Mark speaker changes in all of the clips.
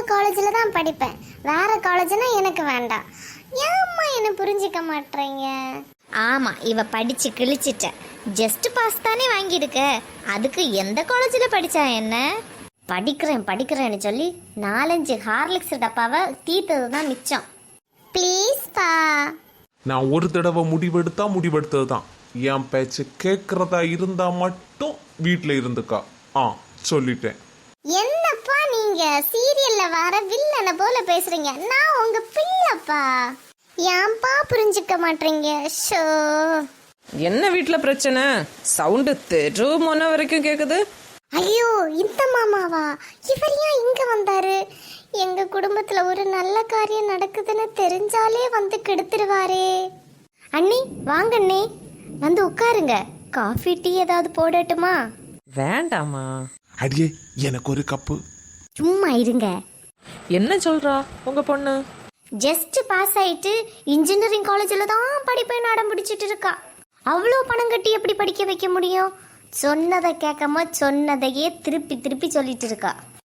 Speaker 1: காலேஜில் தான் படிப்பேன், வேற காலேஜ்னா எனக்கு வேண்டாம். ஏம்மா என்ன புரிஞ்சிக்க மாட்டேறீங்க? ஆமாம், இவ படித்து கிழிச்சிட்ட. ஜஸ்ட் பாஸ் தானே வாங்கியிருக்க, அதுக்கு எந்த காலேஜில் படித்தா என்ன? படிக்கிறேன்னு சொல்லி 4-5 ஹார்லிக்ஸ் டப்பாவை தீர்த்தது தான் மிச்சம். ப்ளீஸ் பா.
Speaker 2: நான் ஒரு தடவை முடிவெடுத்தது தான். என் பேச்சு கேட்கறதா இருந்தா மட்டும் வீட்டில் இருந்துக்கா. சொல்லிட்டேன்.
Speaker 1: என்னப்பா நீங்க சீரியல்ல வர வில்லனை போல பேசுறீங்க? நான் உங்க பிள்ளைப்பா, ஏன்பா புரிஞ்சுக்க மாட்டீங்க? ஷோ.
Speaker 3: என்ன வீட்டில் பிரச்சனை? சவுண்டு தெரு மொன்ன வரைக்கும் கேட்குது.
Speaker 1: ஐயோ, இந்த மாமாவா? இவர் ஏன் இங்க வந்தாரு? எங்க குடும்பத்துல ஒரு நல்ல காரியம் நடக்குதுன்னு தெரிஞ்சாலே வந்து கெடுத்துருவாரே. அண்ணி வாங்க அண்ணி, வந்து உட்காருங்க. காஃபி டீ ஏதாவது போடட்டுமா?
Speaker 3: வேண்டாமா.
Speaker 2: அடியே, எனக்கு ஒரு கப்பு.
Speaker 1: சும்மா இருங்க.
Speaker 3: என்ன சொல்றா உங்க பொண்ணு?
Speaker 1: ஜஸ்ட் பாஸ் ஆயிட்டு இன்ஜினியரிங் காலேஜில் தான் படிப்பேன் அடம் பிடிச்சிட்டு இருக்கா. அவ்வளோ பணம் கட்டி எப்படி படிக்க வைக்க முடியும்? சொன்னதை கேட்காம சொன்னதையே திருப்பி திருப்பி சொல்லிட்டு இருக்கா.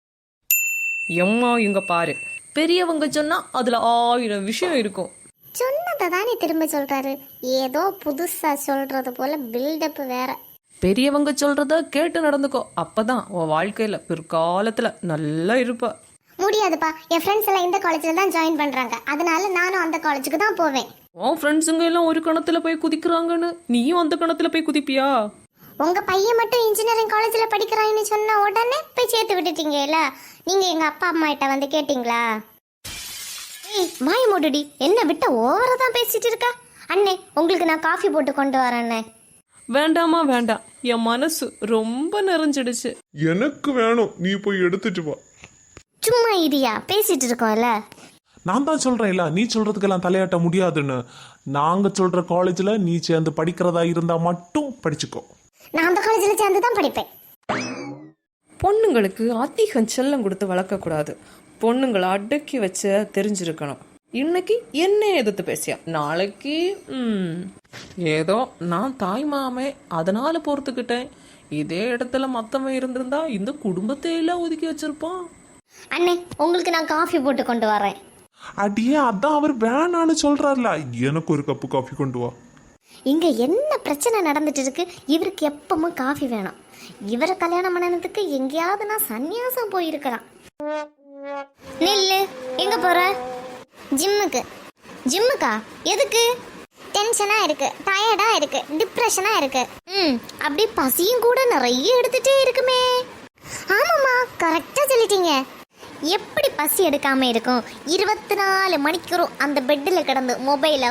Speaker 3: எம்மா இங்க பாரு, பெரியவங்க சொன்னா அதுல 1000 விஷயம் இருக்கும்.
Speaker 1: சொன்னதை தானே திரும்ப சொல்றாரு, ஏதோ புதுசா சொல்றது போல பில்டப் வேற.
Speaker 3: பெரியவங்க சொல்றத கேட்டு நடந்துக்கோ, அப்பதான் உன் வாழ்க்கையில பிற்காலத்துல நல்லா இருப்ப.
Speaker 1: முடியாதுப்பா, என் ஃப்ரெண்ட்ஸ் எல்லாம் இந்த காலேஜில் தான் ஜாயின் பண்றாங்க, அதனால நானும் அந்த காலேஜுக்கு தான் போவேன்.
Speaker 3: உன் ஃப்ரெண்ட்ஸுங்க எல்லாம் ஒரு கணத்துல போய் குதிக்கிறாங்கன்னு நீயும் அந்த கணத்துல போய் குதிப்பியா?
Speaker 1: உங்க பையன் மட்டும் இன்ஜினியரிங் காலேஜில் படிக்கிறான்னு சொன்ன உடனே போய் சேர்த்து விட்டுட்டீங்கல்ல. நீங்க எங்க அப்பா அம்மா கிட்ட வந்து கேட்டீங்களா? மாய மூடுடி, என்ன விட்ட ஓவரா தான் பேசிட்டு இருக்கா. அண்ணே, உங்களுக்கு நான் காஃபி போட்டு கொண்டு வரேன்னே.
Speaker 3: வேண்டாமா வேண்டாம், என் மனசு ரொம்ப நிறைஞ்சிடுச்சு.
Speaker 2: எனக்கு வேணும், நீ போய் எடுத்துட்டு வா.
Speaker 1: சும்மா இரியா, பேசிட்டு இருக்கோம்ல.
Speaker 2: நான் தான் சொல்றேன்ல, நீ சொல்றதுக்கெல்லாம் தலையாட்ட முடியாதுன்னு. நாங்க சொல்ற காலேஜ்ல நீ சேர்ந்து படிக்கிறதா இருந்தா மட்டும் படிச்சுக்கோ.
Speaker 1: நான் அந்த காலேஜில் சேர்ந்து தான் படிப்பேன்.
Speaker 3: பொண்ணுங்களுக்கு அதிகம் செல்லம் கொடுத்து வளர்க்கக்கூடாது. பொண்ணுங்களை அடக்கி வச்ச தெரிஞ்சிருக்கணும். இன்னைக்கு என்ன எதிர்த்து பேசியா, நாளைக்கு ஏதோ நான் தாய் மாமே அதனால பொறுத்துக்கிட்டேன். இதே இடத்துல மத்தவன் இருந்திருந்தா இந்த குடும்பத்தை எல்லாம் ஒதுக்கி வச்சிருப்பான்.
Speaker 1: அண்ணே, உங்களுக்கு நான் காஃபி போட்டு கொண்டு வரேன்.
Speaker 2: அடியே, அதான் அவர் வேணான்னு சொல்றாருல, எனக்கு ஒரு கப்பு காஃபி கொண்டு வா.
Speaker 1: இங்க என்ன பிரச்சனை நடந்துட்டு இருக்கு? இவருக்கு எப்பவும் காஃபி வேணும். இவரை கல்யாணம் பண்ணதுக்கு எங்கேயாவது நான் சன்னியாசம் போயிருக்கலாம். நில்லு, எங்க போற? ஜிம்முக்கு. ஜிம்முக்கா? எதுக்கு? டென்ஷனா இருக்கு, டயர்டா இருக்கு, டிப்ரெஷனா இருக்கு. அப்படி பசியும் கூட நிறைய எடுத்துட்டே இருக்குமே. ஆமாம்மா, கரெக்டா சொல்லிட்டீங்க. எப்படி பசி எடுக்காம இருக்கும்? 24 மணிக்கூறும் அந்த பெட்டில் கிடந்து மொபைலை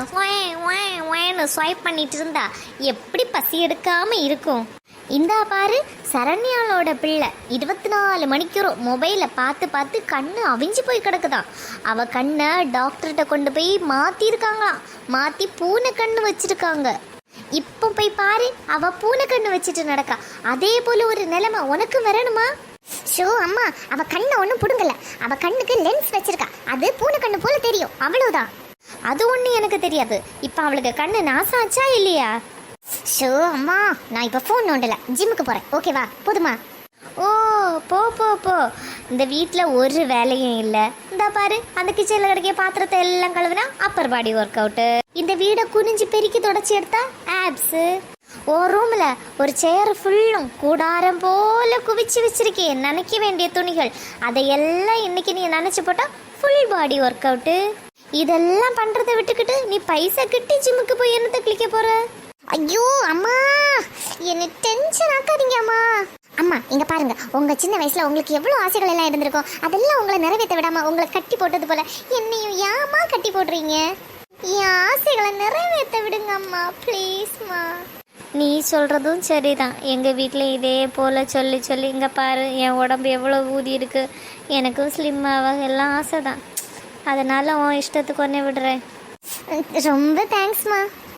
Speaker 1: ஸ்வைப் பண்ணிட்டு இருந்தா எப்படி பசி எடுக்காம இருக்கும்? இந்தா பாரு, சரண்யாளோட பிள்ளை 24 மணிக்கூறும் மொபைலை பார்த்து பார்த்து கண்ணு அவிஞ்சு போய் கிடக்குதான். அவ கண்ணை டாக்டர்கிட்ட கொண்டு போய் மாத்திருக்காங்களாம். மாத்தி பூனை கண்ணு வச்சிருக்காங்க. இப்போ போய் பாரு, அவ பூனை கண்ணு வச்சுட்டு நடக்கா. அதே போல ஒரு நிலைமை உனக்கு வரணுமா? ஷோ அம்மா, அவ கண்ணை ஒன்றும் புடுங்கல. அவ கண்ணுக்கு லென்ஸ் வச்சிருக்கா, அது பூனை கண்ணு போல தெரியும், அவ்வளவுதான். அது ஒண்ணு எனக்கு தெரியாது. இப்ப அவளுக்கு கண்ணு நாசாச்சா இல்லையா? ஷோ அம்மா, நான் இப்ப போன் நோண்டல, ஜிம்முக்கு போறேன். ஓகேவா? போதுமா? ஓ, போ போ போ. இந்த வீட்டில் ஒரு வேலையும் இல்லை. இந்த பாரு, அந்த கிச்சனில் கிடைக்கிற பாத்திரத்தை எல்லாம் கழுவுனா அப்பர் பாடி ஒர்க் அவுட்டு. இந்த வீடை குனிஞ்சு பெருக்கி தொடச்சி எடுத்தா ஆப்ஸு. ஓ ரூம்ல ஒரு சேர் ஃபுல்லும் கூடாரம் போல குவிச்சு வச்சிருக்கேன் நினைக்க வேண்டிய துணிகள். அதையெல்லாம் இன்னைக்கு நீ நினைச்சு போட்டா ஃபுல் பாடி ஒர்க் அவுட்டு. இதெல்லாம் பண்றதை விட்டுக்கிட்டு நீ பைசா கிட்டி ஜிம்முக்கு போய் என்னத்தை கிளிக்க போற? ஐயோ அம்மா, என்ன டென்ஷன் ஆக்காதீங்க அம்மா. அம்மா இங்க பாருங்க, உங்க சின்ன வயசுல உங்களுக்கு எவ்வளவு ஆசைகள் எல்லாம் இருந்திருக்கும். அதெல்லாம் உங்களை நிறைவேற்ற விடாம உங்களை கட்டி போட்டது போல என்னையும் ஏமா கட்டி போடுறீங்க? என் ஆசைகளை நிறைவேற்ற விடுங்க அம்மா, ப்ளீஸ்மா. நீ சொல்றதும் சரிதான். எங்க வீட்டில் இதே போல சொல்லி சொல்லி இங்க பாரு, என் உடம்பு எவ்வளோ ஊதி இருக்கு. எனக்கும் ஸ்லிம்மாக எல்லாம் ஆசை தான். அதனால உன் இஷ்டத்துக்கு ஒன்னே விடுறேன். ரொம்ப தேங்க்ஸ்மா.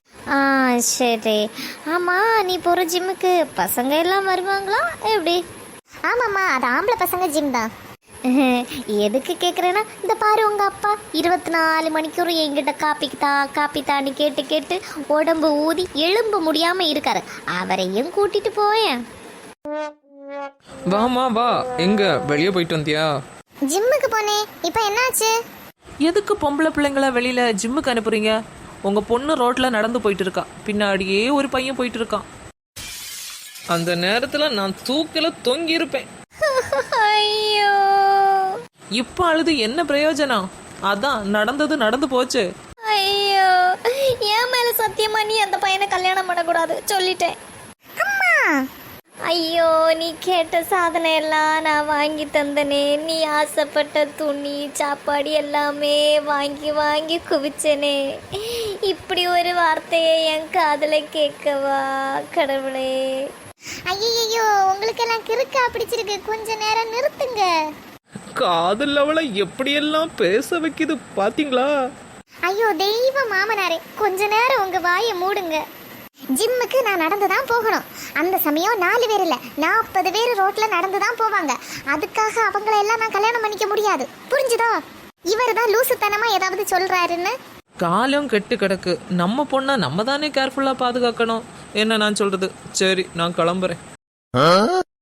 Speaker 1: சரி. ஆமாம், நீ போகிற ஜிம்முக்கு பசங்க எல்லாம் வருவாங்களா எப்படி? ஆமாம்மா, அது ஆம்பளை பசங்க ஜிம் தான். எதுக்கு கேட்குறேன்னா, இந்த பாரு உங்கள் அப்பா 24 மணிக்கூர் என்கிட்ட காப்பி தான்னு கேட்டு கேட்டு உடம்பு ஊதி எலும்பு முடியாமல் இருக்காரு. அவரையும் கூட்டிட்டு போயேன்.
Speaker 3: வாமா வா. எங்க வெளியே போயிட்டு வந்தியா?
Speaker 1: ஜிம்முக்கு போனேன். இப்போ என்னாச்சு?
Speaker 3: எதுக்கு பொம்பளை பிள்ளைங்கள வெளியில ஜிம்முக்கு அனுப்புறீங்க? உங்க பொண்ணு ரோட்ல நடந்து போயிட்டு இருக்கா, பின்னாடியே ஒரு பையன் போயிட்டு இருக்கான். அந்த நேரத்துல நான் தூக்கில தொங்கி இருப்பேன்.
Speaker 1: ஐயோ,
Speaker 3: இப்ப அழுது என்ன பிரயோஜனம்? அதான் நடந்தது நடந்து போச்சு.
Speaker 1: ஐயோ, என் மேல சத்தியமா நீ அந்த பையனை கல்யாணம் பண்ணக்கூடாது சொல்லிட்டேன். அம்மா, ஐயோ, நீ கேட்ட சாதனை எல்லாம் நான் வாங்கி தந்தனே. நீ ஆசைப்பட்ட துணி சாப்பாடு எல்லாமே வாங்கி வாங்கி குவிச்சனே. இப்படி ஒரு வார்த்தையை என் காதுல கேட்கவா கடவுளே. ஐயோ, உங்களுக்கு எல்லாம் கிறுக்கா பிடிச்சிருக்கு, கொஞ்ச நேரம் நிறுத்துங்க.
Speaker 3: காதல் அவளை எப்படியெல்லாம் பேச வைக்குது பாத்தீங்களா?
Speaker 1: ஐயோ தெய்வ மாமனாரே, கொஞ்ச நேரம் உங்க வாயை மூடுங்க. ஜிம்முக்கு நான் நடந்து தான் போகணும். அந்த சமயம் 4 பேர் இல்ல 40 பேர் ரோட்ல நடந்து தான் போவாங்க. அதுக்காக அவங்கள எல்லாம் நான் கல்யாணம் பண்ணிக்க முடியாது, புரிஞ்சுதா? இவர் தான் லூசுத்தனமா ஏதாவது சொல்றாருன்னு.
Speaker 3: காலம் கெட்டு கிடக்கு. நம்ம பொண்ணை நம்ம தானே கேர்ஃபுல்லா பாதுகாக்கணும். என்ன நான் சொல்றது? சரி, நான் கிளம்புறேன்.